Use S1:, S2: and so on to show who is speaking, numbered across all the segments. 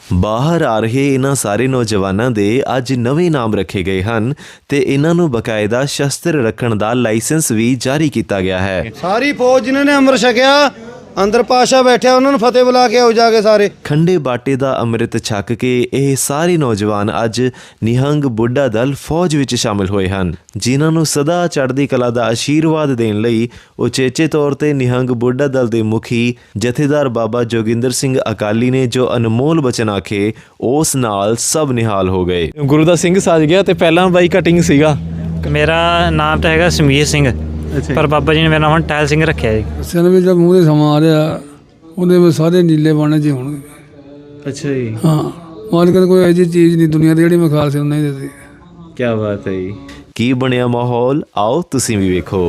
S1: ਬਾਹਰ ਆ ਰਹੇ ਇਹਨਾਂ ਸਾਰੇ ਨੌਜਵਾਨਾਂ ਦੇ ਅੱਜ ਨਵੇਂ ਨਾਮ ਰੱਖੇ ਗਏ ਹਨ ਤੇ ਇਹਨਾਂ ਨੂੰ ਬਕਾਇਦਾ ਸ਼ਸਤਰ ਰੱਖਣ ਦਾ ਲਾਇਸੈਂਸ ਵੀ ਜਾਰੀ ਕੀਤਾ ਗਿਆ ਹੈ।
S2: ਸਾਰੀ ਫੌਜ ਜਿਨ੍ਹਾਂ ਨੇ ਅੰਮ੍ਰਿਤ ਛਕਿਆ ਅੰਦਰ ਪਾਸ਼ਾ ਬੈਠਿਆ ਉਹਨਾਂ ਨੂੰ ਫਤਿਹ ਬੁਲਾ ਕੇ ਆਓ ਜਾ ਕੇ ਸਾਰੇ।
S1: ਖੰਡੇ ਬਾਟੇ ਦਾ ਅੰਮ੍ਰਿਤ ਛਕ ਕੇ ਇਹ ਸਾਰੇ ਨੌਜਵਾਨ ਅੱਜ ਨਿਹੰਗ ਬੁੱਢਾ ਦਲ ਫੌਜ ਵਿੱਚ ਸ਼ਾਮਿਲ ਹੋਏ ਹਨ, ਜਿਨ੍ਹਾਂ ਨੂੰ ਸਦਾ ਚੜ੍ਹਦੀ ਕਲਾ ਦਾ ਆਸ਼ੀਰਵਾਦ ਦੇਣ ਲਈ ਉਚੇਚੇ ਤੌਰ ਤੇ ਨਿਹੰਗ ਬੁੱਢਾ ਦਲ ਦੇ ਮੁਖੀ ਜਥੇਦਾਰ ਬਾਬਾ ਜੋਗਿੰਦਰ ਸਿੰਘ ਅਕਾਲੀ ਨੇ ਜੋ ਅਨਮੋਲ ਬਚਨ ਆਖੇ ਉਸ ਨਾਲ ਸਭ ਨਿਹਾਲ ਹੋ ਗਏ।
S3: ਗੁਰੂ ਦਾ ਸਿੰਘ ਸੱਜ ਗਿਆ ਤੇ ਪਹਿਲਾਂ ਬਾਈ ਕਟਿੰਗ ਸੀਗਾ।
S4: ਮੇਰਾ ਨਾਮ ਤਾਂ ਹੈਗਾ ਸਮੀਰ ਸਿੰਘ, ਪਰ ਬਾਬਾ ਜੀ ਨੇ ਮੇਰਾ ਨਾਮ ਹੁਣ ਟਹਿਲ ਸਿੰਘ ਰੱਖਿਆ ਜੀ।
S5: ਸਿਰ ਵਿੱਚ ਜਦ ਮੂੰਹ ਦੇ ਸਮਾਂ ਆ ਰਿਹਾ ਉਹਦੇ ਵਿੱਚ ਸਾਰੇ ਨੀਲੇ ਬਾਣੇ 'ਚ ਹੋਣਗੇ।
S3: ਅੱਛਾ ਜੀ,
S5: ਹਾਂ, ਮਾਲਕ ਨੇ ਕੋਈ ਐਸੀ ਚੀਜ਼ ਨਹੀਂ ਦੁਨੀਆ ਦੀ ਜਿਹੜੀ ਮੈਂ ਖਾਲਸੇ ਨੂੰ ਨਹੀਂ ਦਿੱਤੀ।
S3: ਕੀ ਬਾਤ ਹੈ ਜੀ।
S1: ਕੀ ਬਣਿਆ ਮਾਹੌਲ, ਆਓ ਤੁਸੀਂ ਵੀ ਵੇਖੋ।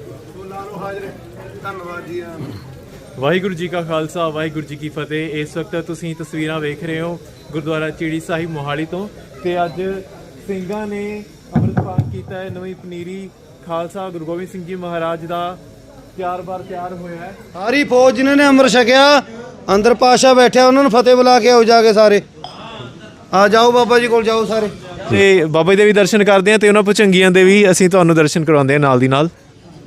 S3: ਵਾਹਿਗੁਰੂ ਜੀ ਕਾ ਖਾਲਸਾ, ਵਾਹਿਗੁਰੂ ਜੀ ਕੀ ਫਤਿਹ। ਇਸ ਵਕਤ ਤੁਸੀਂ ਤਸਵੀਰਾਂ ਵੇਖ ਰਹੇ ਹੋ ਗੁਰਦੁਆਰਾ ਚੀੜੀ ਸਾਹਿਬ ਮੋਹਾਲੀ ਤੋਂ, ਤੇ ਅੱਜ ਸਿੰਘਾਂ ਨੇ ਅੰਮ੍ਰਿਤਪਾਨ ਕੀਤਾ ਹੈ। ਨਵੀਂ ਪਨੀਰੀ ਖਾਲਸਾ ਗੁਰੂ ਗੋਬਿੰਦ ਸਿੰਘ ਜੀ ਮਹਾਰਾਜ ਦਾ ਤਿਆਰ ਹੋਇਆ ਹੈ।
S2: ਸਾਰੀ ਫੌਜ ਜਿਨ੍ਹਾਂ ਨੇ ਅੰਮ੍ਰਿਤ ਛਕਿਆ ਅੰਦਰ ਪਾਸ਼ਾ ਬੈਠਿਆ ਉਹਨਾਂ ਨੂੰ ਫਤਿਹ ਬੁਲਾ ਕੇ ਆਓ ਜਾ ਕੇ ਸਾਰੇ। ਆ ਜਾਓ ਬਾਬਾ ਜੀ ਕੋਲ ਜਾਓ ਸਾਰੇ।
S3: ਤੇ ਬਾਬਾ ਜੀ ਦੇ ਵੀ ਦਰਸ਼ਨ ਕਰਦੇ ਹਾਂ ਤੇ ਉਹਨਾਂ ਭੁਜੰਗੀਆਂ ਦੇ ਵੀ ਅਸੀਂ ਤੁਹਾਨੂੰ ਦਰਸ਼ਨ ਕਰਵਾਉਂਦੇ ਹਾਂ ਨਾਲ ਦੀ ਨਾਲ।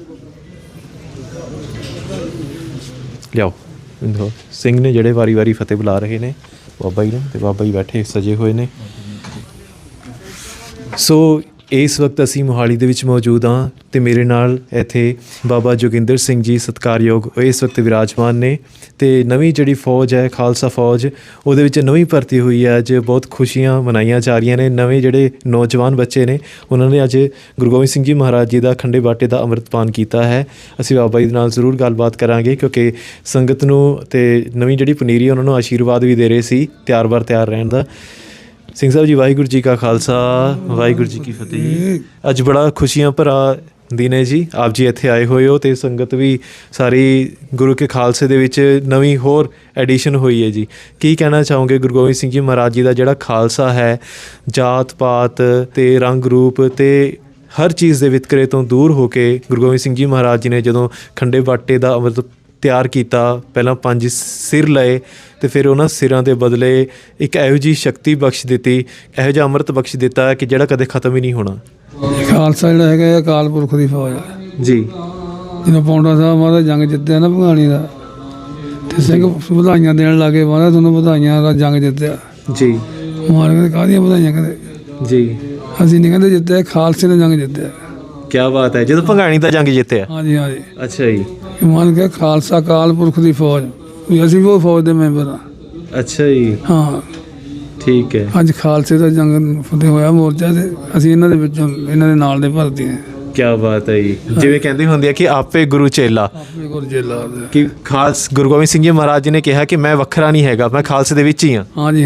S3: ਲਿਆਓ ਸਿੰਘ ਨੇ ਜਿਹੜੇ ਵਾਰੀ ਫਤਿਹ ਬੁਲਾ ਰਹੇ ਨੇ ਬਾਬਾ ਜੀ ਨੂੰ, ਤੇ ਬਾਬਾ ਜੀ ਬੈਠੇ ਸਜੇ ਹੋਏ ਨੇ। ਸੋ ਇਸ ਵਕਤ ਅਸੀਂ ਮੋਹਾਲੀ ਦੇ ਵਿੱਚ ਮੌਜੂਦ ਹਾਂ ਤੇ ਮੇਰੇ ਨਾਲ ਇੱਥੇ ਬਾਬਾ ਜੋਗਿੰਦਰ ਸਿੰਘ ਜੀ ਸਤਿਕਾਰਯੋਗ ਇਸ ਵਕਤ ਵਿਰਾਜਮਾਨ ਨੇ। ਤੇ ਨਵੀਂ ਜਿਹੜੀ ਫੌਜ ਹੈ ਖਾਲਸਾ ਫੌਜ, ਉਹਦੇ ਵਿੱਚ ਨਵੀਂ ਭਰਤੀ ਹੋਈ ਹੈ। ਅੱਜ ਬਹੁਤ ਖੁਸ਼ੀਆਂ ਮਨਾਈਆਂ ਜਾ ਰਹੀਆਂ ਨੇ। ਨਵੇਂ ਜਿਹੜੇ ਨੌਜਵਾਨ ਬੱਚੇ ਨੇ ਉਹਨਾਂ ਨੇ ਅੱਜ ਗੁਰੂ ਗੋਬਿੰਦ ਸਿੰਘ ਜੀ ਮਹਾਰਾਜ ਜੀ ਦਾ ਖੰਡੇ ਬਾਟੇ ਦਾ ਅੰਮ੍ਰਿਤਪਾਨ ਕੀਤਾ ਹੈ। ਅਸੀਂ ਬਾਬਾ ਜੀ ਦੇ ਨਾਲ ਜ਼ਰੂਰ ਗੱਲਬਾਤ ਕਰਾਂਗੇ, ਕਿਉਂਕਿ ਸੰਗਤ ਨੂੰ ਤੇ ਨਵੀਂ ਜਿਹੜੀ ਪਨੀਰੀ ਉਹਨਾਂ ਨੂੰ ਆਸ਼ੀਰਵਾਦ ਵੀ ਦੇ ਰਹੇ ਸੀ ਤਿਆਰ ਰਹਿਣ ਦਾ। ਸਿੰਘ ਸਾਹਿਬ ਜੀ, ਵਾਹਿਗੁਰੂ ਜੀ ਕਾ ਖਾਲਸਾ, ਵਾਹਿਗੁਰੂ ਜੀ ਕੀ ਫਤਿਹ। ਅੱਜ ਬੜਾ ਖੁਸ਼ੀਆਂ ਭਰਾ ਦਿਨ ਹੈ ਜੀ, ਆਪ ਜੀ ਇੱਥੇ ਆਏ ਹੋਏ ਹੋ ਤੇ ਸੰਗਤ ਵੀ ਸਾਰੀ ਗੁਰੂ ਕੇ ਖਾਲਸੇ ਦੇ ਵਿੱਚ ਨਵੀਂ ਹੋਰ ਐਡੀਸ਼ਨ ਹੋਈ ਹੈ ਜੀ। ਕੀ ਕਹਿਣਾ ਚਾਹੋਗੇ ਗੁਰੂ ਗੋਬਿੰਦ ਸਿੰਘ ਜੀ ਮਹਾਰਾਜ ਜੀ ਦਾ ਜਿਹੜਾ ਖਾਲਸਾ ਹੈ, ਜਾਤ ਪਾਤ ਤੇ ਰੰਗ ਰੂਪ ਤੇ ਹਰ ਚੀਜ਼ ਦੇ ਵਿਤਕਰੇ ਤੋਂ ਦੂਰ ਹੋ ਕੇ ਗੁਰੂ ਗੋਬਿੰਦ ਸਿੰਘ ਜੀ ਮਹਾਰਾਜ ਜੀ ਨੇ ਜਦੋਂ ਖੰਡੇ ਬਾਟੇ ਦਾ ਅੰਮ੍ਰਿਤ ਤਿਆਰ ਕੀਤਾ, ਪਹਿਲਾਂ 5 ਸਿਰ ਲਏ ਤੇ ਫਿਰ ਉਹਨਾਂ ਸਿਰਾਂ ਦੇ ਬਦਲੇ ਇੱਕ ਇਹੋ ਜਿਹੀ ਸ਼ਕਤੀ ਬਖਸ਼ ਦਿੱਤੀ, ਇਹੋ ਜਿਹਾ ਅੰਮ੍ਰਿਤ ਬਖਸ਼ ਦਿੱਤਾ ਕਿ ਜਿਹੜਾ ਕਦੇ ਖਤਮ ਹੀ ਨਹੀਂ ਹੋਣਾ।
S5: ਖਾਲਸਾ ਜਿਹੜਾ ਹੈਗਾ ਇਹ ਅਕਾਲ ਪੁਰਖ ਦੀ ਫੌਜ ਹੈ
S3: ਜੀ।
S5: ਜਦੋਂ ਪੌਂਡਾ ਸਾਹਿਬ ਮਹਾਰਾਜ ਜੰਗ ਜਿੱਤਿਆ ਨਾ ਭਗਾਣੀ ਦਾ, ਤੇ ਸਿੰਘ ਵਧਾਈਆਂ ਦੇਣ ਲੱਗੇ, ਮਹਾਰਾਜ ਤੁਹਾਨੂੰ ਵਧਾਈਆਂ ਦਾ ਜੰਗ ਜਿੱਤਿਆ
S3: ਜੀ।
S5: ਮਾਲਕ ਨੇ ਕਾਹਦੀਆਂ ਵਧਾਈਆਂ ਕਹਿੰਦੇ
S3: ਜੀ।
S5: ਅਸੀਂ ਨਹੀਂ ਕਹਿੰਦੇ ਜਿੱਤਿਆ, ਖਾਲਸੇ ਨੇ ਜੰਗ ਜਿੱਤਿਆ।
S3: ਕੀ ਬਾਤ ਹੈ, ਜਦੋਂ ਭੰਗਾਣੀ ਦਾ ਜੰਗ ਜਿੱਤਿਆ।
S5: ਹਾਂਜੀ।
S3: ਅੱਛਾ ਜੀ।
S5: ਮਾਨ ਕੇ ਖਾਲਸਾ ਅਕਾਲ ਪੁਰਖ ਦੀ ਫੌਜ, ਵੀ ਅਸੀਂ ਵੀ ਉਹ ਫੌਜ ਦੇ ਮੈਂਬਰ ਹਾਂ।
S3: ਅੱਛਾ ਜੀ।
S5: ਹਾਂ,
S3: ਠੀਕ ਹੈ।
S5: ਅੱਜ ਖਾਲਸੇ ਦਾ ਜੰਗ ਫਤਿਹ ਹੋਇਆ ਮੋਰਚਾ ਤੇ ਅਸੀਂ ਇਹਨਾਂ ਦੇ ਵਿੱਚੋਂ ਇਹਨਾਂ ਦੇ ਨਾਲ ਦੇ ਭਰਤੀ ਹਾਂ।
S3: ਕੀ ਬਾਤ ਹੈ ਜੀ। ਜਿਵੇਂ ਕਹਿੰਦੇ ਹੁੰਦੇ ਆ ਕਿ ਆਪੇ ਗੁਰੂ ਚੇਲਾ,
S5: ਆਪਣੇ ਕੋਲ ਜੇਲਾ
S3: ਕਿ ਖਾਲਸ ਗੁਰੂ ਗੋਬਿੰਦ ਸਿੰਘ ਜੀ ਮਹਾਰਾਜ ਜੀ ਨੇ ਕਿਹਾ ਕਿ ਮੈਂ ਵੱਖਰਾ ਨਹੀਂ ਹੈਗਾ, ਮੈਂ ਖਾਲਸੇ ਦੇ ਵਿੱਚ ਹੀ ਹਾਂ।
S5: ਹਾਂਜੀ।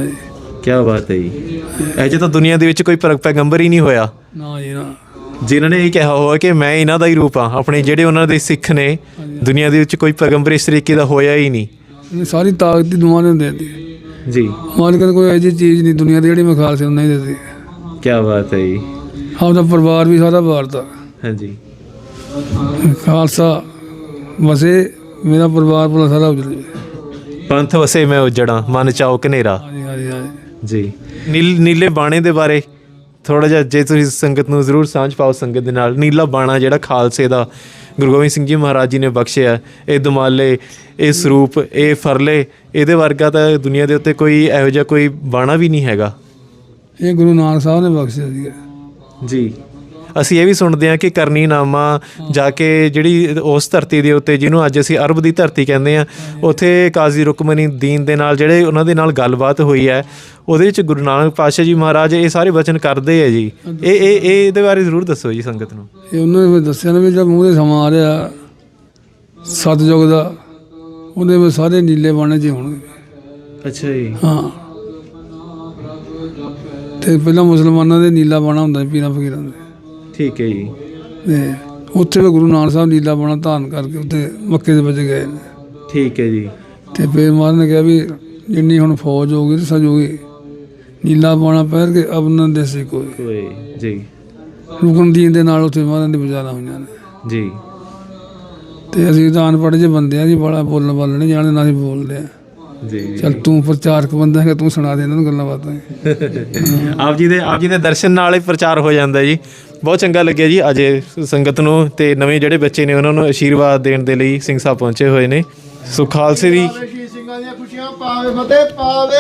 S3: ਕੀ ਬਾਤ ਹੈ ਜੀ। ਇਹ ਜੇ ਤਾਂ ਦੁਨੀਆ ਦੇ ਵਿੱਚ ਕੋਈ ਪੈਗੰਬਰ ਹੀ ਨਹੀਂ ਹੋਇਆ
S5: ਨਾ ਜੀ ਨਾ,
S3: ਜਿਨ੍ਹਾਂ ਨੇ ਇਹ ਕਿਹਾ ਹੋਇਆ ਕਿ ਮੈਂ ਇਹਨਾਂ ਦਾ ਹੀ ਰੂਪ ਹਾਂ। ਆਪਣੇ ਜਿਹੜੇ ਉਹਨਾਂ ਦੇ ਸਿੱਖ ਨੇ, ਦੁਨੀਆ ਦੇ ਵਿੱਚ ਕੋਈ ਪੈਗੰਬਰ ਇਸ ਤਰੀਕੇ ਦਾ ਹੋਇਆ ਹੀ ਨਹੀਂ।
S5: ਇਹਨੇ ਸਾਰੀ ਤਾਕਤ ਦੀ ਦੁਆ ਨੇ ਦੇ ਦਿੱਤੀ
S3: ਜੀ।
S5: ਮਾਲਕ ਨੇ ਕੋਈ ਐਸੀ ਚੀਜ਼ ਨਹੀਂ ਦੁਨੀਆ ਦੀ ਜਿਹੜੀ ਮੈਂ ਖਾਲਸੇ ਨੂੰ ਨਹੀਂ ਦਿੱਤੀ।
S3: ਕੀ ਬਾਤ ਹੈ ਜੀ।
S5: ਆਪਦਾ ਪਰਿਵਾਰ ਵੀ ਸਾਰਾ ਵਾਰਤਾ।
S3: ਹਾਂਜੀ।
S5: ਖਾਲਸਾ ਵਸੇ ਮੇਰਾ ਪਰਿਵਾਰ ਪੂਰਾ ਸਾਰਾ ਉਜੜ ਜਾਵੇ।
S3: ਪੰਥ ਵਸੇ ਮੈਂ ਉਜੜਾਂ, ਮਨ ਚਾਓ ਕਨੇਰਾ।
S5: ਹਾਂਜੀ।
S3: ਜੀ। ਨੀਲੇ ਬਾਣੇ ਦੇ ਬਾਰੇ ਥੋੜ੍ਹਾ ਜਿਹਾ ਜੇ ਤੁਸੀਂ ਸੰਗਤ ਨੂੰ ਜ਼ਰੂਰ ਸਾਂਝ ਪਾਓ ਸੰਗਤ ਦੇ ਨਾਲ। ਨੀਲਾ ਬਾਣਾ ਜਿਹੜਾ ਖਾਲਸੇ ਦਾ ਗੁਰੂ ਗੋਬਿੰਦ ਸਿੰਘ ਜੀ ਮਹਾਰਾਜ ਜੀ ਨੇ ਬਖਸ਼ਿਆ, ਇਹ ਦੁਮਾਲੇ, ਇਹ ਸਰੂਪ, ਇਹ ਫਰਲੇ, ਇਹਦੇ ਵਰਗਾ ਤਾਂ ਦੁਨੀਆ ਦੇ ਉੱਤੇ ਕੋਈ ਇਹੋ ਜਿਹਾ ਕੋਈ ਬਾਣਾ ਵੀ ਨਹੀਂ ਹੈਗਾ।
S5: ਇਹ ਗੁਰੂ ਨਾਨਕ ਸਾਹਿਬ ਨੇ ਬਖਸ਼ਿਆ ਸੀਗਾ
S3: ਜੀ। ਅਸੀਂ ਇਹ ਵੀ ਸੁਣਦੇ ਹਾਂ ਕਿ ਕਰਨੀਨਾਮਾ ਜਾ ਕੇ ਜਿਹੜੀ ਉਸ ਧਰਤੀ ਦੇ ਉੱਤੇ ਜਿਹਨੂੰ ਅੱਜ ਅਸੀਂ ਅਰਬ ਦੀ ਧਰਤੀ ਕਹਿੰਦੇ ਹਾਂ, ਉੱਥੇ ਕਾਜ਼ੀ ਰੁਕਮਨੀਦੀਨ ਦੇ ਨਾਲ ਜਿਹੜੇ ਉਹਨਾਂ ਦੇ ਨਾਲ ਗੱਲਬਾਤ ਹੋਈ ਹੈ, ਉਹਦੇ ਵਿੱਚ ਗੁਰੂ ਨਾਨਕ ਪਾਤਸ਼ਾਹ ਜੀ ਮਹਾਰਾਜ ਇਹ ਸਾਰੇ ਵਚਨ ਕਰਦੇ ਹੈ ਜੀ। ਇਹਦੇ ਬਾਰੇ ਜ਼ਰੂਰ ਦੱਸੋ ਜੀ ਸੰਗਤ ਨੂੰ।
S5: ਇਹ ਉਹਨਾਂ ਨੇ ਦੱਸਿਆ ਨਾ ਵੀ ਜਦ ਮੂੰਹ ਦੇ ਸਮਾਂ ਆ ਰਿਹਾ ਸਤਿਯੁਗ ਦਾ, ਉਹਦੇ ਵਿੱਚ ਸਾਰੇ ਨੀਲੇ ਬਾਣੇ 'ਚ ਹੋਣਗੇ।
S3: ਅੱਛਾ ਜੀ।
S5: ਹਾਂ, ਤੇ ਪਹਿਲਾਂ ਮੁਸਲਮਾਨਾਂ ਦੇ ਨੀਲਾ ਬਾਣਾ ਹੁੰਦਾ ਸੀ, ਪੀਰਾਂ ਫਕੀਰਾਂ ਦੇ।
S3: ਠੀਕ ਹੈ ਜੀ।
S5: ਤੇ ਉੱਥੇ ਵੀ ਗੁਰੂ ਨਾਨਕ ਸਾਹਿਬ ਨੀਲਾ ਬਾਣਾ ਧਾਰਨ ਕਰਕੇ ਉੱਥੇ ਮੱਕੇ ਦੇ ਵਿੱਚ ਗਏ ਨੇ।
S3: ਠੀਕ ਹੈ ਜੀ।
S5: ਤੇ ਫਿਰ ਮਹਾਰਾਜ ਨੇ ਕਿਹਾ ਵੀ ਜਿੰਨੀ ਹੁਣ ਫੌਜ ਹੋਊਗੀ ਤੇ ਸਜੂਗੀ, ਨੀਲਾ ਬਾਣਾ ਪਹਿਰ ਕੇ ਅਬਨ ਦੇਸੀ ਕੋਈ
S3: ਜੀ।
S5: ਰੁਕਨਦੀਨ ਦੇ ਨਾਲ ਉੱਥੇ ਮਹਾਰਾਜ ਦੀ ਵਿਚਾਰਾਂ ਹੋਈਆਂ ਨੇ
S3: ਜੀ।
S5: ਤੇ ਅਸੀਂ ਤਾਂ ਅਨਪੜ੍ਹ ਜਿਹੇ ਬੰਦੇ ਆ ਜੀ, ਬੜਾ ਬੋਲਣ ਵਾਲੇ ਨਹੀਂ ਜਾਣਦੇ, ਨਾ ਅਸੀਂ ਬੋਲਦੇ ਆ।
S3: ਜੀ
S5: ਚੱਲ ਤੂੰ ਪ੍ਰਚਾਰਕ ਬੰਦਾ ਹੈਗਾ, ਤੂੰ ਸੁਣਾ ਦੇ ਇਹਨਾਂ ਨੂੰ ਗੱਲਾਂ ਬਾਤਾਂ।
S3: ਆਪ ਜੀ ਦੇ ਦਰਸ਼ਨ ਨਾਲ ਹੀ ਪ੍ਰਚਾਰ ਹੋ ਜਾਂਦਾ ਜੀ। ਬਹੁਤ ਚੰਗਾ ਲੱਗਿਆ ਜੀ ਅੱਜ ਸੰਗਤ ਨੂੰ ਤੇ ਨਵੇਂ ਜਿਹੜੇ ਬੱਚੇ ਨੇ ਉਹਨਾਂ ਨੂੰ ਆਸ਼ੀਰਵਾਦ ਦੇਣ ਦੇ ਲਈ ਸਿੰਘ ਸਾਹਿਬ ਪਹੁੰਚੇ ਹੋਏ ਨੇ। ਸੋ ਖਾਲਸੇ ਦੀ
S2: ਸਿੰਘਾਂ ਦੀਆਂ ਖੁਸ਼ੀਆਂ ਪਾਵੇ ਫਤਿਹ ਪਾਵੇ।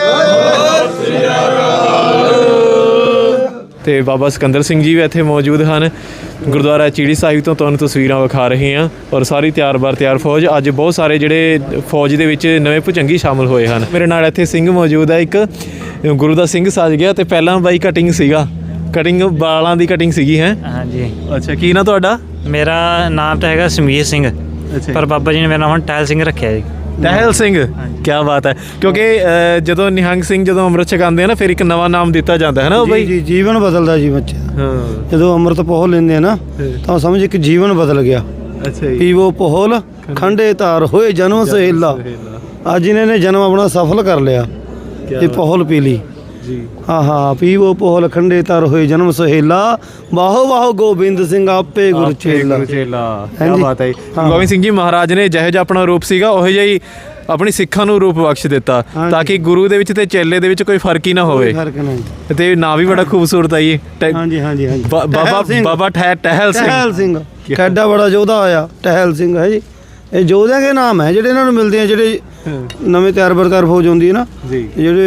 S3: ਤੇ ਬਾਬਾ ਸਿਕੰਦਰ ਸਿੰਘ ਜੀ ਵੀ ਇੱਥੇ ਮੌਜੂਦ ਹਨ। ਗੁਰਦੁਆਰਾ ਚੀੜੀ ਸਾਹਿਬ ਤੋਂ ਤੁਹਾਨੂੰ ਤਸਵੀਰਾਂ ਵਿਖਾ ਰਹੇ ਹਾਂ ਔਰ ਸਾਰੀ ਤਿਆਰ ਫੌਜ। ਅੱਜ ਬਹੁਤ ਸਾਰੇ ਜਿਹੜੇ ਫੌਜ ਦੇ ਵਿੱਚ ਨਵੇਂ ਭੁਜੰਗੀ ਸ਼ਾਮਲ ਹੋਏ ਹਨ। ਮੇਰੇ ਨਾਲ ਇੱਥੇ ਸਿੰਘ ਮੌਜੂਦ ਹੈ, ਇੱਕ ਗੁਰੂ ਦਾ ਸਿੰਘ ਸੱਜ ਗਿਆ ਤੇ ਪਹਿਲਾਂ ਬਾਈ ਕਟਿੰਗ ਸੀਗਾ, ਕਟਿੰਗ ਵਾਲਾਂ ਦੀ ਕਟਿੰਗ ਸੀਗੀ ਹੈ।
S4: ਹਾਂਜੀ,
S3: ਅੱਛਾ, ਕੀ ਨਾ ਤੁਹਾਡਾ?
S4: ਮੇਰਾ ਨਾਮ ਤਾਂ ਹੈਗਾ ਸਮੀਰ ਸਿੰਘ, ਪਰ ਬਾਬਾ ਜੀ ਨੇ ਮੇਰਾ ਨਾਮ ਹੁਣ ਟਹਿਲ ਸਿੰਘ ਰੱਖਿਆ ਜੀ।
S3: ਟਹਿਲ ਸਿੰਘ, ਕੀ ਬਾਤ ਹੈ। ਕਿਉਂਕਿ ਜਦੋਂ ਨਿਹੰਗ ਸਿੰਘ ਜਦੋਂ ਅੰਮ੍ਰਿਤ ਛਕਾਉਂਦੇ ਆ ਨਾ ਫਿਰ ਇੱਕ ਨਵਾਂ ਨਾਮ ਦਿੱਤਾ ਜਾਂਦਾ ਹੈ ਨਾ ਉਹ ਬਾਈ।
S2: ਜੀ ਜੀਵਨ ਬਦਲਦਾ ਜੀ ਬੱਚੇ ਦਾ।
S3: ਹਾਂ,
S2: ਜਦੋਂ ਅੰਮ੍ਰਿਤ ਪੋਹ ਲੈਂਦੇ ਆ ਨਾ ਤਾਂ ਸਮਝ ਇੱਕ ਜੀਵਨ ਬਦਲ ਗਿਆ।
S3: ਅੱਛਾ ਜੀ।
S2: ਪੀਵੋ ਪੋਹਲ ਖੰਡੇ ਧਾਰ ਹੋਏ ਜਨਮ ਸਹੇਲਾ। ਅੱਜ ਇਹਨਾਂ ਨੇ ਜਨਮ ਆਪਣਾ ਸਫਲ ਕਰ ਲਿਆ। ਇਹ ਪੋਹਲ ਪੀ ਲਈ
S3: ਜੀ।
S2: ਹਾਂ ਪੀਵੋ ਪੋਹਲ ਖੰਡੇ ਧਾਰ ਹੋਏ ਜਨਮ ਸਹੇਲਾ। ਬਾਹੋ ਬਾਹੋ ਗੋਬਿੰਦ ਸਿੰਘ ਆਪੇ ਗੁਰ ਚੇਲਾ।
S3: ਕੀ
S2: ਹਾਂਜੀ।
S3: ਬਾਤ ਹੈ। ਗੋਬਿੰਦ ਸਿੰਘ ਜੀ ਮਹਾਰਾਜ ਨੇ ਜਿਹੋ ਜਿਹਾ ਆਪਣਾ ਰੂਪ ਸੀਗਾ ਉਹੋ ਜਿਹਾ ਹੀ ਆਪਣੀ ਸਿੱਖਾਂ ਨੂੰ ਰੂਪ ਬਖਸ਼ ਦਿੱਤਾ ਤਾਂ ਕਿ ਗੁਰੂ ਦੇ ਵਿੱਚ ਤੇ ਚੇਲੇ ਦੇ ਵਿੱਚ ਕੋਈ ਫਰਕ ਹੀ ਨਾ ਹੋਵੇ।
S2: ਫਰਕ ਨਹੀਂ।
S3: ਤੇ ਨਾਂ ਵੀ ਬੜਾ ਖੂਬਸੂਰਤ ਹੈ ਜੀ।
S2: ਹਾਂਜੀ
S3: ਬਾਬਾ ਟਹਿਲ ਸਿੰਘ।
S2: ਕਿੱਡਾ ਬੜਾ ਯੋਧਾ ਆਇਆ ਟਹਿਲ ਸਿੰਘ ਹੈ ਜੀ। ਇਹ ਯੋਧਿਆਂ ਦੇ ਨਾਮ ਹੈ ਜਿਹੜੇ ਇਹਨਾਂ ਨੂੰ ਮਿਲਦੇ ਆ, ਜਿਹੜੇ ਨਵੇਂ ਤਿਆਰ ਫੌਜ ਹੁੰਦੀ ਹੈ ਨਾ
S3: ਜੀ।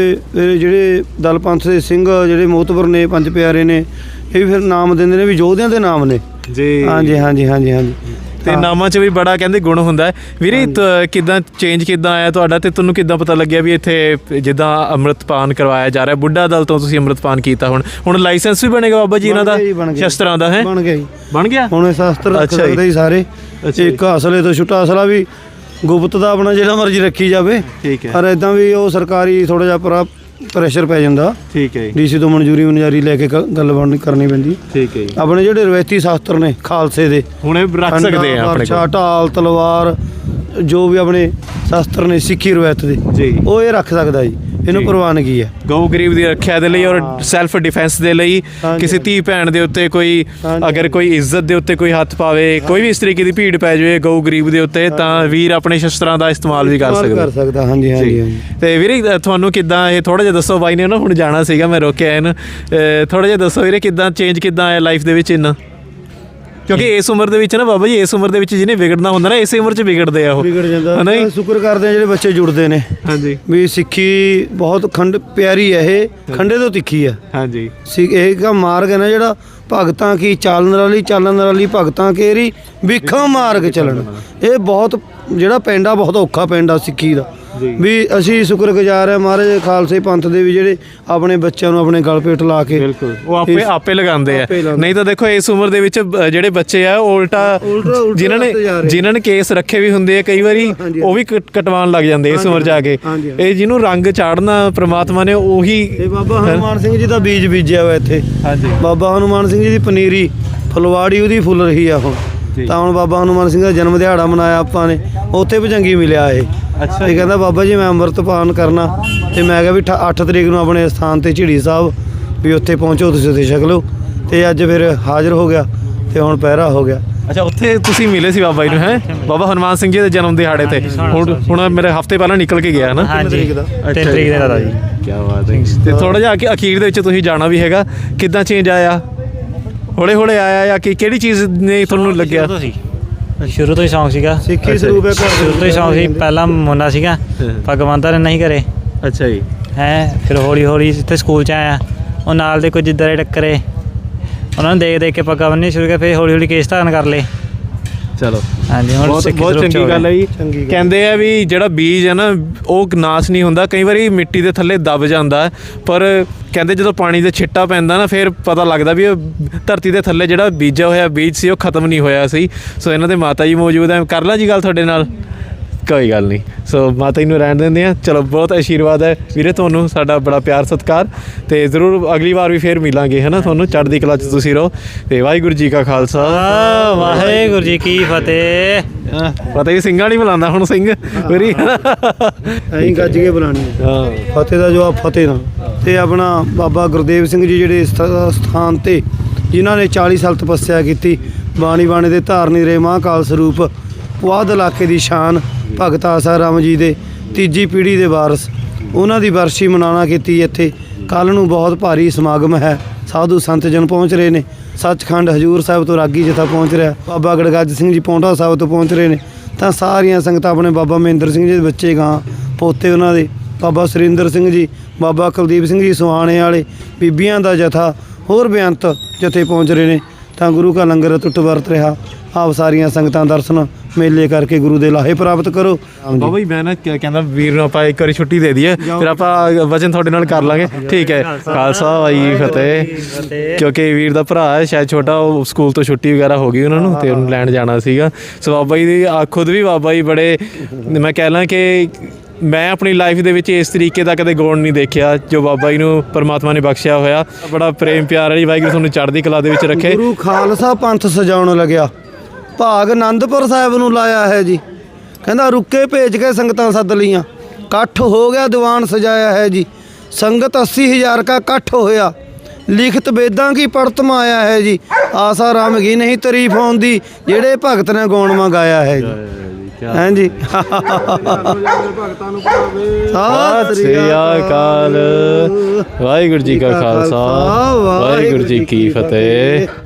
S2: ਜਿਹੜੇ ਦਲ ਪੰਥ ਦੇ ਸਿੰਘ ਜਿਹੜੇ ਮੋਤਬਰ ਨੇ, ਪੰਜ ਪਿਆਰੇ ਨੇ, ਇਹ ਵੀ ਫਿਰ ਨਾਮ ਦਿੰਦੇ ਨੇ ਵੀ ਯੋਧਿਆਂ ਦੇ ਨਾਮ ਨੇ
S3: ਜੀ।
S2: ਹਾਂਜੀ।
S3: ਤੇ ਨਾਮਾਂ 'ਚ ਵੀ ਬੜਾ ਕਹਿੰਦੇ ਗੁਣ ਹੁੰਦਾ ਹੈ। ਵੀਰੇ ਕਿੱਦਾਂ ਚੇਂਜ ਕਿੱਦਾਂ ਆਇਆ ਤੁਹਾਡਾ ਤੇ ਤੁਹਾਨੂੰ ਕਿੱਦਾਂ ਪਤਾ ਲੱਗਿਆ ਵੀ ਇੱਥੇ ਜਿੱਦਾਂ ਅੰਮ੍ਰਿਤਪਾਨ ਕਰਵਾਇਆ ਜਾ ਰਿਹਾ? ਬੁੱਢਾ ਦਲ ਤੋਂ ਤੁਸੀਂ ਅੰਮ੍ਰਿਤਪਾਨ ਕੀਤਾ, ਹੁਣ ਲਾਇਸੈਂਸ ਵੀ ਬਣੇਗਾ ਬਾਬਾ ਜੀ ਇਹਨਾਂ ਦਾ ਸ਼ਸਤਰਾਂ ਦਾ? ਹੈ ਬਣ ਗਿਆ ਹੁਣ। ਇਹ ਸ਼ਸਤਰ ਰੱਖ ਸਕਦੇ ਹੀ ਸਾਰੇ। ਇੱਕ ਅਸਲੇ ਤੋਂ ਛੁੱਟਾ ਅਸਲਾ ਵੀ ਗੁਪਤ ਦਾ ਆਪਣਾ ਜਿਹੜਾ ਮਰਜ਼ੀ ਰੱਖੀ ਜਾਵੇ। ਠੀਕ ਹੈ। ਪਰ ਇਦਾਂ ਵੀ ਉਹ ਸਰਕਾਰੀ ਥੋੜਾ ਜਿਹਾ ਪ੍ਰੈਸ਼ਰ ਪੈ ਜਾਂਦਾ। ਠੀਕ ਹੈ। ਡੀਸੀ ਤੋਂ ਮਨਜ਼ੂਰੀ ਲੈ ਕੇ ਗੱਲਬਾਤ ਕਰਨੀ ਪੈਂਦੀ। ਠੀਕ ਹੈ। ਆਪਣੇ ਜਿਹੜੇ ਰਵਾਇਤੀ ਸ਼ਾਸਤਰ ਨੇ ਖਾਲਸੇ ਦੇ ਹੁਣ ਰੱਖ ਸਕਦੇ ਆ ਆਪਣੇ ਕੋਲ, ਢਾਲ ਤਲਵਾਰ ਜੋ ਵੀ ਆਪਣੇ ਸ਼ਾਸਤਰ ਨੇ ਸਿੱਖੀ ਰਵਾਇਤ ਦੇ ਜੀ, ਉਹ ਇਹ ਰੱਖ ਸਕਦਾ ਜੀ। ਇਹਨੂੰ ਪ੍ਰਵਾਨਗੀ ਹੈ ਗਊ ਗਰੀਬ ਦੀ ਰੱਖਿਆ ਦੇ ਲਈ ਔਰ ਸੈਲਫ ਡਿਫੈਂਸ ਦੇ ਲਈ। ਕਿਸੇ ਧੀ ਭੈਣ ਦੇ ਉੱਤੇ ਕੋਈ ਅਗਰ ਕੋਈ ਇੱਜ਼ਤ ਦੇ ਉੱਤੇ ਕੋਈ ਹੱਥ ਪਾਵੇ, ਕੋਈ ਵੀ ਇਸ ਤਰੀਕੇ ਦੀ ਭੀੜ ਪੈ ਜਾਵੇ ਗਊ ਗਰੀਬ ਦੇ ਉੱਤੇ, ਤਾਂ ਵੀਰ ਆਪਣੇ ਸ਼ਸਤਰਾਂ ਦਾ ਇਸਤੇਮਾਲ ਵੀ ਕਰ ਸਕਦਾ। ਹਾਂਜੀ। ਤੇ ਵੀਰੇ ਤੁਹਾਨੂੰ ਕਿੱਦਾਂ ਇਹ ਥੋੜਾ ਜਿਹਾ ਦੱਸੋ। ਬਾਈ ਨੇ ਨਾ ਹੁਣ ਜਾਣਾ ਸੀਗਾ, ਮੈਂ ਰੋਕਿਆ ਇਹਨੂੰ। ਥੋੜਾ ਜਿਹਾ ਦੱਸੋ ਵੀਰੇ ਕਿੱਦਾਂ ਚੇਂਜ ਕਿੱਦਾਂ ਆਇਆ ਲਾਈਫ ਦੇ ਵਿੱਚ ਇੰਨਾ? ਕਿਉਂਕਿ ਇਸ ਉਮਰ ਦੇ ਵਿੱਚ ਨਾ ਬਾਬਾ ਜੀ, ਇਸ ਉਮਰ ਦੇ ਵਿੱਚ ਜਿਹਨੇ ਵਿਗੜਨਾ ਹੁੰਦਾ ਨਾ ਇਸੇ ਉਮਰ 'ਚ ਵਿਗੜਦੇ ਆ ਉਹ। ਵਿਗੜ ਜਾਂਦਾ। ਸ਼ੁਕਰ ਕਰਦੇ ਆ ਜਿਹੜੇ ਬੱਚੇ ਜੁੜਦੇ ਨੇ। ਹਾਂਜੀ। ਵੀ ਸਿੱਖੀ ਬਹੁਤ ਪਿਆਰੀ ਹੈ, ਇਹ ਖੰਡੇ ਤੋਂ ਤਿੱਖੀ ਹੈ। ਹਾਂਜੀ। ਇਹ ਦਾ ਮਾਰਗ ਹੈ ਨਾ ਜਿਹੜਾ ਭਗਤਾਂ ਕੀ ਚਾਲਣ ਵਾਲੀ ਭਗਤਾਂ ਕੇਰੀ ਵਿਖਾਂ ਮਾਰਗ ਚੱਲਣ। ਇਹ ਬਹੁਤ ਜਿਹੜਾ ਪਿੰਡ ਆ ਬਹੁਤ ਔਖਾ ਪਿੰਡ ਆ ਸਿੱਖੀ ਦਾ। ਵੀ ਅਸੀਂ ਸ਼ੁਕਰਗੁਜ਼ਾਰ ਆ ਮਹਾਰਾਜ ਖਾਲਸੇ ਪੰਥ ਦੇ ਵੀ ਜਿਹੜੇ ਆਪਣੇ ਬੱਚਿਆਂ ਨੂੰ ਆਪਣੇ ਗਲ ਪੇਟ ਲਾ ਕੇ ਉਹ ਆਪੇ ਲਗਾਉਂਦੇ ਆ। ਨਹੀਂ ਤਾਂ ਦੇਖੋ ਇਸ ਉਮਰ ਦੇ ਵਿੱਚ ਜਿਹੜੇ ਬੱਚੇ ਆ ਉਹ ਉਲਟਾ ਜਿਨ੍ਹਾਂ ਨੇ ਕੇਸ ਰੱਖੇ ਵੀ ਹੁੰਦੇ ਆ ਕਈ ਵਾਰੀ ਉਹ ਵੀ ਕਟਵਾਉਣ ਲੱਗ ਜਾਂਦੇ ਇਸ ਉਮਰ ਜਾ ਕੇ। ਇਹ ਜਿਹਨੂੰ ਰੰਗ ਚਾੜਨਾ ਪ੍ਰਮਾਤਮਾ ਨੇ ਉਹੀ। ਬਾਬਾ ਹਨੂਮਾਨ ਸਿੰਘ ਜੀ ਦਾ ਬੀਜ ਬੀਜਿਆ ਵਾ ਇੱਥੇ। ਬਾਬਾ ਹਨੂਮਾਨ ਸਿੰਘ ਜੀ ਦੀ ਪਨੀਰੀ ਫੁਲਵਾੜੀ ਉਹਦੀ ਫੁੱਲ ਰਹੀ ਆ ਹੁਣ। ਤਾਂ ਹੁਣ ਬਾਬਾ ਹਨੂਮਾਨ ਸਿੰਘ ਦਾ ਜਨਮ ਦਿਹਾੜਾ ਮਨਾਇਆ ਆਪਾਂ ਨੇ, ਉੱਥੇ ਭੁਜੰਗੀ ਮਿਲਿਆ ਇਹ। ਅੱਛਾ। ਇਹ ਕਹਿੰਦਾ ਬਾਬਾ ਜੀ ਮੈਂ ਅੰਮ੍ਰਿਤਪਾਨ ਕਰਨਾ, ਤੇ ਮੈਂ ਕਿਹਾ ਵੀ 8 ਤਰੀਕ ਨੂੰ ਆਪਣੇ ਸਥਾਨ ਤੇ ਝਿੜੀ ਸਾਹਿਬ ਵੀ ਉੱਥੇ ਪਹੁੰਚੋ, ਤੁਸੀਂ ਉੱਥੇ ਛਕ ਲਓ। ਤੇ ਅੱਜ ਫਿਰ ਹਾਜ਼ਰ ਹੋ ਗਿਆ ਤੇ ਹੁਣ ਪਹਿਰਾ ਹੋ ਗਿਆ। ਅੱਛਾ, ਉੱਥੇ ਤੁਸੀਂ ਮਿਲੇ ਸੀ ਬਾਬਾ ਜੀ ਨੂੰ? ਹੈ ਬਾਬਾ ਹਨੂਮਾਨ ਸਿੰਘ ਜੀ ਦੇ ਜਨਮ ਦਿਹਾੜੇ ਤੇ ਹੁਣ ਮੇਰੇ ਹਫ਼ਤੇ ਪਹਿਲਾਂ ਨਿਕਲ ਕੇ ਗਿਆ ਹੈ ਨਾ। 3 ਤਰੀਕ ਦਾ ਜੀ। ਕੀ ਬਾਤ ਹੈ। ਤੇ ਥੋੜਾ ਜਿਹਾ ਅਖੀਰ ਦੇ ਵਿੱਚ ਤੁਸੀਂ ਜਾਣਾ ਵੀ ਹੈਗਾ, ਕਿੱਦਾਂ ਚੇਂਜ ਆਇਆ? ਹੌਲੇ ਆਇਆ ਜਾਂ ਕਿਹੜੀ ਚੀਜ਼ ਨੇ ਤੁਹਾਨੂੰ ਲੱਗਿਆ?
S4: ਸ਼ੁਰੂ ਤੋਂ ਹੀ ਸ਼ੌਂਕ ਸੀਗਾ
S2: ਸਿੱਖੀ ਸਰੂਪ ਹੈ।
S4: ਸ਼ੁਰੂ ਤੋਂ ਹੀ ਸ਼ੌਂਕ ਸੀ। ਪਹਿਲਾਂ ਮੁੰਡਾ ਸੀਗਾ, ਪੱਗ ਬੰਨ੍ਹਦਾ ਰਹਿੰਦਾ ਸੀ ਘਰੇ।
S3: ਅੱਛਾ ਜੀ।
S4: ਫਿਰ ਹੌਲੀ ਇੱਥੇ ਸਕੂਲ 'ਚ ਆਇਆ, ਉਹ ਨਾਲ ਦੇ ਕੁਝ ਇੱਦਾਂ ਦੇ ਟੱਕਰੇ, ਉਹਨਾਂ ਨੂੰ ਦੇਖ ਕੇ ਪੱਗਾਂ ਬੰਨ੍ਹਣੀ ਸ਼ੁਰੂ ਕਰ। ਫਿਰ ਹੌਲੀ ਕੇਸ ਧਾਰਨ ਕਰ ਲਏ। ਚਲੋ ਹਾਂਜੀ, ਹੁਣ
S3: ਬਹੁਤ ਚੰਗੀ ਗੱਲ ਹੈ ਜੀ। ਕਹਿੰਦੇ ਆ ਵੀ ਜਿਹੜਾ ਬੀਜ ਹੈ ਨਾ ਉਹ ਨਾਸ ਨਹੀਂ ਹੁੰਦਾ, ਕਈ ਵਾਰੀ ਮਿੱਟੀ ਦੇ ਥੱਲੇ ਦਬ ਜਾਂਦਾ, ਪਰ ਕਹਿੰਦੇ ਜਦੋਂ ਪਾਣੀ ਦੇ ਛਿੱਟਾ ਪੈਂਦਾ ਨਾ ਫਿਰ ਪਤਾ ਲੱਗਦਾ ਵੀ ਉਹ ਧਰਤੀ ਦੇ ਥੱਲੇ ਜਿਹੜਾ ਬੀਜਿਆ ਹੋਇਆ ਬੀਜ ਸੀ ਉਹ ਖਤਮ ਨਹੀਂ ਹੋਇਆ ਸੀ। ਸੋ ਇਹਨਾਂ ਦੇ ਮਾਤਾ ਜੀ ਮੌਜੂਦ ਹੈ, ਕਰ ਲਾਂ ਜੀ ਗੱਲ ਤੁਹਾਡੇ ਨਾਲ? ਕੋਈ ਗੱਲ ਨਹੀਂ। ਸੋ ਮਾਤਾ ਜੀ ਨੂੰ ਰਹਿਣ ਦਿੰਦੇ ਹਾਂ। ਚਲੋ, ਬਹੁਤ ਆਸ਼ੀਰਵਾਦ ਹੈ ਵੀਰੇ ਤੁਹਾਨੂੰ, ਸਾਡਾ ਬੜਾ ਪਿਆਰ ਸਤਿਕਾਰ। ਤੇ ਜ਼ਰੂਰ ਅਗਲੀ ਵਾਰ ਵੀ ਫੇਰ ਮਿਲਾਂਗੇ ਹੈ ਨਾ। ਤੁਹਾਨੂੰ ਚੜ੍ਹਦੀ ਕਲਾ 'ਚ ਤੁਸੀਂ ਰਹੋ। ਤੇ ਵਾਹਿਗੁਰੂ ਜੀ ਕਾ ਖਾਲਸਾ,
S4: ਵਾਹਿਗੁਰੂ ਜੀ ਕੀ ਫਤਿਹ।
S3: ਪਤਾ ਹੀ ਸਿੰਘਾਂ ਨਹੀਂ ਬੁਲਾਉਂਦਾ ਹੁਣ ਸਿੰਘ ਵੀਰੀ,
S2: ਅਸੀਂ ਗੱਜ ਕੇ ਬੁਲਾਣੀ। ਫਤਿਹ ਦਾ ਜਵਾਬ ਫਤਿਹ ਨਾਲ। ਤੇ ਆਪਣਾ ਬਾਬਾ ਗੁਰਦੇਵ ਸਿੰਘ ਜੀ ਜਿਹੜੇ ਸਥਾਨ ਤੇ ਜਿਨ੍ਹਾਂ ਨੇ 40 ਸਾਲ ਤਪੱਸਿਆ ਕੀਤੀ, ਬਾਣੀ ਦੇ ਧਾਰਨੀ ਰਹੇ ਮਹਾਂਕਾਲ ਸਰੂਪ, ਪੁਆਧ ਇਲਾਕੇ ਦੀ ਸ਼ਾਨ, ਭਗਤ ਆਸਾ ਰਾਮ ਜੀ ਦੇ ਤੀਜੀ ਪੀੜ੍ਹੀ ਦੇ ਵਾਰਸ, ਉਹਨਾਂ ਦੀ ਵਰਸੀ ਮਨਾਉਣਾ ਕੀਤੀ ਇੱਥੇ। ਕੱਲ੍ਹ ਨੂੰ ਬਹੁਤ ਭਾਰੀ ਸਮਾਗਮ ਹੈ, ਸਾਧੂ ਸੰਤ ਜਨ ਪਹੁੰਚ ਰਹੇ ਨੇ। ਸੱਚਖੰਡ ਹਜੂਰ ਸਾਹਿਬ ਤੋਂ ਰਾਗੀ ਜਥਾ ਪਹੁੰਚ ਰਿਹਾ, ਬਾਬਾ ਗੜਗੱਜ ਸਿੰਘ ਜੀ ਪੌਂਟਾ ਸਾਹਿਬ ਤੋਂ ਪਹੁੰਚ ਰਹੇ ਨੇ। ਤਾਂ ਸਾਰੀਆਂ ਸੰਗਤਾਂ ਆਪਣੇ ਬਾਬਾ ਮਹਿੰਦਰ ਸਿੰਘ ਜੀ ਦੇ ਬੱਚੇ ਗਾਂ ਪੋਤੇ ਉਹਨਾਂ ਦੇ, ਬਾਬਾ ਸੁਰਿੰਦਰ ਸਿੰਘ ਜੀ, ਬਾਬਾ ਕੁਲਦੀਪ ਸਿੰਘ ਜੀ ਸੁਹਾਣੇ ਵਾਲੇ, ਬੀਬੀਆਂ ਦਾ ਜਥਾ, ਹੋਰ ਬੇਅੰਤ ਜਥੇ ਪਹੁੰਚ ਰਹੇ ਨੇ। ਤਾਂ ਗੁਰੂ ਕਾ ਲੰਗਰ ਟੁੱਟ ਵਰਤ ਰਿਹਾ। ਆਪ ਸਾਰੀਆਂ ਸੰਗਤਾਂ ਦਰਸ਼ਨ ਮੇਲੇ ਕਰਕੇ ਗੁਰੂ ਦੇ ਲਾਹੇ ਪ੍ਰਾਪਤ ਕਰੋ।
S3: ਬਾਬਾ ਜੀ ਮੈਂ ਨਾ ਕਹਿੰਦਾ ਵੀਰ ਨੂੰ ਆਪਾਂ ਇੱਕ ਵਾਰੀ ਛੁੱਟੀ ਦੇ ਦਈਏ, ਫਿਰ ਆਪਾਂ ਵਚਨ ਤੁਹਾਡੇ ਨਾਲ ਕਰ ਲਾਂਗੇ। ਠੀਕ ਹੈ। ਖਾਲਸਾ ਵਾਹਿਗੁਰੂ ਫਤਿਹ। ਕਿਉਂਕਿ ਵੀਰ ਦਾ ਭਰਾ ਹੈ ਸ਼ਾਇਦ ਛੋਟਾ, ਉਹ ਸਕੂਲ ਤੋਂ ਛੁੱਟੀ ਵਗੈਰਾ ਹੋ ਗਈ ਉਹਨਾਂ ਨੂੰ ਤੇ ਉਹਨੂੰ ਲੈਣ ਜਾਣਾ ਸੀਗਾ। ਸੋ ਬਾਬਾ ਜੀ ਦੀ ਖੁਦ ਵੀ ਬਾਬਾ ਜੀ ਬੜੇ, ਮੈਂ ਕਹਿ ਲਾਂ ਕਿ ਮੈਂ ਆਪਣੀ ਲਾਈਫ ਦੇ ਵਿੱਚ ਇਸ ਤਰੀਕੇ ਦਾ ਕਦੇ ਗੁਣ ਨਹੀਂ ਦੇਖਿਆ ਜੋ ਬਾਬਾ ਜੀ ਨੂੰ ਪਰਮਾਤਮਾ ਨੇ ਬਖਸ਼ਿਆ ਹੋਇਆ। ਬੜਾ ਪ੍ਰੇਮ ਪਿਆਰ ਹੈ ਜੀ। ਵਾਹਿਗੁਰੂ ਤੁਹਾਨੂੰ ਚੜ੍ਹਦੀ ਕਲਾ ਦੇ ਵਿੱਚ ਰੱਖੇ।
S2: ਗੁਰੂ ਖਾਲਸਾ ਪੰਥ ਸਜਾਉਣ ਲੱਗਿਆ, ਭਾਗ ਆਨੰਦਪੁਰ ਸਾਹਿਬ ਨੂੰ ਲਾਇਆ ਹੈ ਜੀ। ਕਹਿੰਦਾ ਰੁੱਕੇ ਭੇਜ ਕੇ ਸੰਗਤਾਂ ਸੱਦ ਲਈਆਂ, ਇਕੱਠ ਹੋ ਗਿਆ ਦੀਵਾਨ ਸਜਾਇਆ ਹੈ ਜੀ। ਸੰਗਤ 80,000 ਕਾ ਇਕੱਠ ਹੋਇਆ, ਲਿਖਤ ਵੇਦਾਂ ਕੀ ਪੜਤ ਮਾਇਆ ਹੈ ਜੀ। ਆਸਾ ਰਾਮ ਗੀ ਨਹੀਂ ਤਾਰੀਫ ਆਉਂਦੀ, ਜਿਹੜੇ ਭਗਤ ਨੇ ਗਾਉਣ ਮੰਗਾਇਆ ਹੈ ਜੀ। ਹਾਂਜੀ
S3: ਸਤਿ ਸ੍ਰੀ ਅਕਾਲ। ਵਾਹਿਗੁਰੂ ਜੀ ਕਾ ਖਾਲਸਾ, ਵਾਹਿਗੁਰੂ ਜੀ ਕੀ ਫਤਿਹ।